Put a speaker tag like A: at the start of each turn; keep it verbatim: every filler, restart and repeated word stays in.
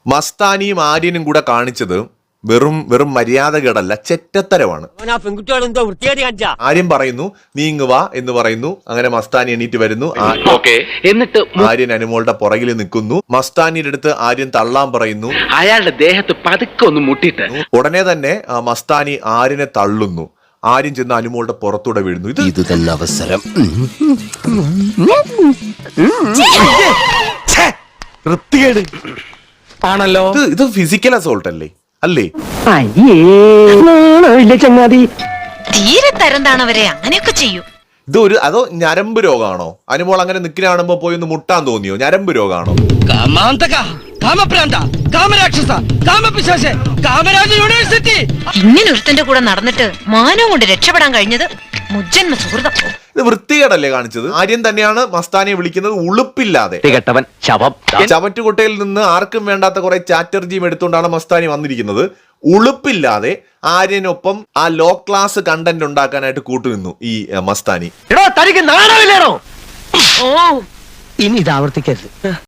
A: മസ്താനിയും ആര്യനും കൂടെ കാണിച്ചത് വെറും വെറും മര്യാദകേടല്ല, ചെറ്റത്തരമാണ്. ആര്യൻ പറയുന്നു നീങ്ങുക എന്ന് പറയുന്നു. അങ്ങനെ മസ്താനി എണീറ്റ് വരുന്നു. എന്നിട്ട് ആര്യൻ അനുമോളുടെ പുറകിൽ നിൽക്കുന്നു. മസ്താനിയുടെ അടുത്ത് ആര്യൻ തള്ളാൻ പറയുന്നു.
B: അയാളുടെ ദേഹത്ത് പതുക്കെ ഒന്ന് മുട്ടിട്ട്
A: ഉടനെ തന്നെ മസ്താനി ആര്യനെ തള്ളുന്നു. ആര്യൻ ചെന്ന് അനുമോളുടെ പുറത്തൂടെ വീഴുന്നു. ഇത്
C: ഇത് തന്നെ അവസരം.
A: ആണല്ലോ. ഇത് ഫിസിക്കൽ അസോൾട്ട് അല്ലേ അല്ലേ
D: ചങ്ങാതി
E: തീരെ തരം താണവരെ അങ്ങനെയൊക്കെ ചെയ്യും.
A: ഇത് ഒരു അതോ ഞരമ്പ് രോഗമാണോ? അനുമോൾ അങ്ങനെ നിൽക്കുന്ന കാണുമ്പോ പോയി ഒന്ന് മുട്ടാൻ തോന്നിയോ? ഞരമ്പ് രോഗമാണോ?
E: ഇങ്ങനെ ഒരുത്തന്റെ കൂടെ നടന്നിട്ട് മാനവും കൊണ്ട് രക്ഷപ്പെടാൻ കഴിഞ്ഞത് മുജ്ജന്മ സുഹൃതം.
A: ഇത് വൃത്തികേടല്ലേ കാണിച്ചത്? ആര്യൻ തന്നെയാണ് മസ്താനിയെ വിളിക്കുന്നത് ഉളുപ്പില്ലാതെ. ചവറ്റുകൊട്ടയിൽ നിന്ന് ആർക്കും വേണ്ടാത്ത കുറെ ചാറ്റർജിയും എടുത്തുകൊണ്ടാണ് മസ്താനി വന്നിരിക്കുന്നത്. ഉളുപ്പില്ലാതെ ആര്യനൊപ്പം ആ ലോ ക്ലാസ് കണ്ടന്റ് ഉണ്ടാക്കാനായിട്ട് കൂട്ടുനിന്നു ഈ മസ്താനി.
D: ഇനി ഇത് ആവർത്തിക്കരുത്.